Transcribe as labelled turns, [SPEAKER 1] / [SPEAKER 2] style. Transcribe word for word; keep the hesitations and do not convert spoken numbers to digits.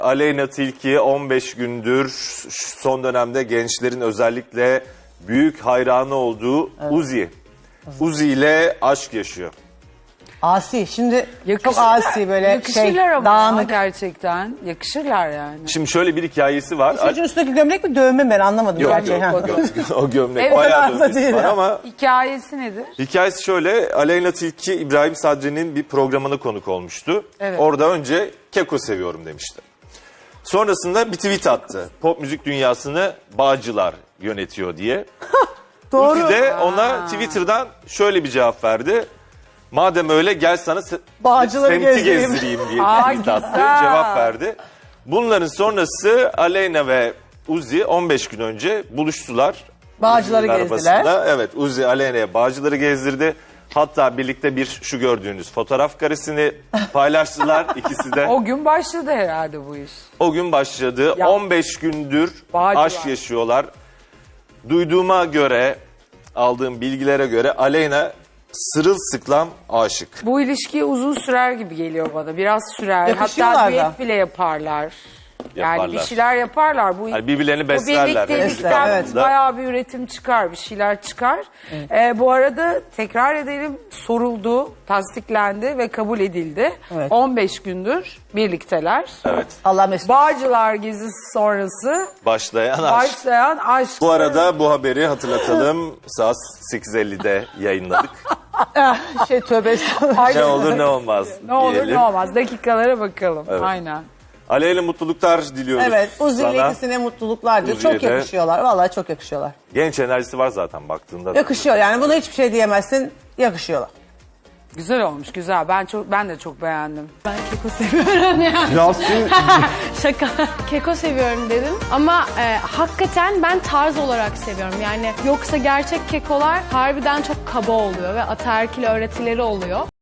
[SPEAKER 1] Aleyna Tilki on beş gündür son dönemde gençlerin özellikle büyük hayranı olduğu evet. Uzi. Uzi ile aşk yaşıyor.
[SPEAKER 2] Asi. Şimdi
[SPEAKER 3] Yakışırlar,
[SPEAKER 2] çok asi böyle
[SPEAKER 3] yakışırlar
[SPEAKER 2] şey
[SPEAKER 3] ama
[SPEAKER 2] dağınık.
[SPEAKER 3] gerçekten. Yakışırlar yani.
[SPEAKER 1] Şimdi şöyle bir hikayesi var.
[SPEAKER 2] Çocuğun üstündeki gömlek mi dövme ben anlamadım.
[SPEAKER 1] Yok
[SPEAKER 2] gerçi.
[SPEAKER 1] yok,
[SPEAKER 2] Ha.
[SPEAKER 1] yok. O gömlek
[SPEAKER 3] Evet,
[SPEAKER 1] bayağı
[SPEAKER 2] o kadar da
[SPEAKER 1] dövmesi
[SPEAKER 2] değil
[SPEAKER 1] var
[SPEAKER 2] ya.
[SPEAKER 1] ama
[SPEAKER 3] Hikayesi nedir?
[SPEAKER 1] hikayesi şöyle. Aleyna Tilki İbrahim Sadri'nin bir programına konuk olmuştu.
[SPEAKER 3] Evet.
[SPEAKER 1] Orada önce Keko seviyorum demişti. Sonrasında bir tweet attı. Pop müzik dünyasını Bağcılar yönetiyor diye.
[SPEAKER 2] Doğru.
[SPEAKER 1] Uzi de ona Twitter'dan şöyle bir cevap verdi. Madem öyle gel sana se-
[SPEAKER 2] Bağcıları
[SPEAKER 1] semti
[SPEAKER 2] gezdireyim.
[SPEAKER 1] gezdireyim diye
[SPEAKER 3] Aa,
[SPEAKER 1] tweet attı.
[SPEAKER 3] güzel.
[SPEAKER 1] Cevap verdi. Bunların sonrası Aleyna ve Uzi on beş gün önce buluştular.
[SPEAKER 2] Bağcıları
[SPEAKER 1] Uzi'nin
[SPEAKER 2] gezdiler.
[SPEAKER 1] arabasında. Evet, Uzi Aleyna'ya Bağcıları gezdirdi. Hatta birlikte bir şu gördüğünüz fotoğraf karesini paylaştılar ikisi de.
[SPEAKER 3] O gün başladı herhalde bu iş.
[SPEAKER 1] O gün başladı.
[SPEAKER 3] Ya.
[SPEAKER 1] on beş gündür
[SPEAKER 3] Bağcılar.
[SPEAKER 1] aşk yaşıyorlar. Duyduğuma göre, aldığım bilgilere göre Aleyna sırılsıklam aşık.
[SPEAKER 3] Bu ilişki uzun sürer gibi geliyor bana. Biraz sürer.
[SPEAKER 2] Yakışıyorlar
[SPEAKER 3] Hatta
[SPEAKER 2] da.
[SPEAKER 3] düet bile yaparlar. Yani
[SPEAKER 1] Yaparlar.
[SPEAKER 3] bir şeyler yaparlar. Bu,
[SPEAKER 1] Yani birbirlerini
[SPEAKER 3] bu
[SPEAKER 1] beslerler.
[SPEAKER 3] birliktelikten
[SPEAKER 2] Evet.
[SPEAKER 3] bayağı bir üretim çıkar, bir şeyler çıkar. Ee, bu arada tekrar edelim, soruldu, tasdiklendi ve kabul edildi.
[SPEAKER 2] Evet.
[SPEAKER 3] on beş gündür birlikteler.
[SPEAKER 1] Evet.
[SPEAKER 2] Allah mesut.
[SPEAKER 3] Bağcılar gezisi sonrası
[SPEAKER 1] Başlayan aşk.
[SPEAKER 3] başlayan aşk.
[SPEAKER 1] Bu arada bu haberi hatırlatalım. Saat sekiz elli'de yayınladık.
[SPEAKER 2] şey tövbe estağfurullah.
[SPEAKER 1] Ne olur ne olmaz
[SPEAKER 3] Ne olur
[SPEAKER 1] diyelim.
[SPEAKER 3] ne olmaz. Dakikalara bakalım.
[SPEAKER 1] Evet.
[SPEAKER 3] Aynen.
[SPEAKER 1] Aleyna mutluluklar diliyoruz
[SPEAKER 2] Evet, Uzi ile
[SPEAKER 1] sana.
[SPEAKER 2] ikisine mutluluklar diyor.
[SPEAKER 1] Uzi'ye
[SPEAKER 2] Çok
[SPEAKER 1] de.
[SPEAKER 2] yakışıyorlar. Vallahi çok yakışıyorlar.
[SPEAKER 1] Genç enerjisi var zaten baktığında. da.
[SPEAKER 2] Yakışıyor yani buna hiçbir şey diyemezsin. Yakışıyorlar.
[SPEAKER 3] Güzel olmuş, güzel. Ben çok ben de çok beğendim.
[SPEAKER 4] Ben keko seviyorum yani.
[SPEAKER 5] Yasin
[SPEAKER 4] Şaka. Keko seviyorum dedim ama e, hakikaten ben tarz olarak seviyorum. Yani yoksa gerçek kekolar harbiden çok kaba oluyor ve ataerkil öğretileri oluyor.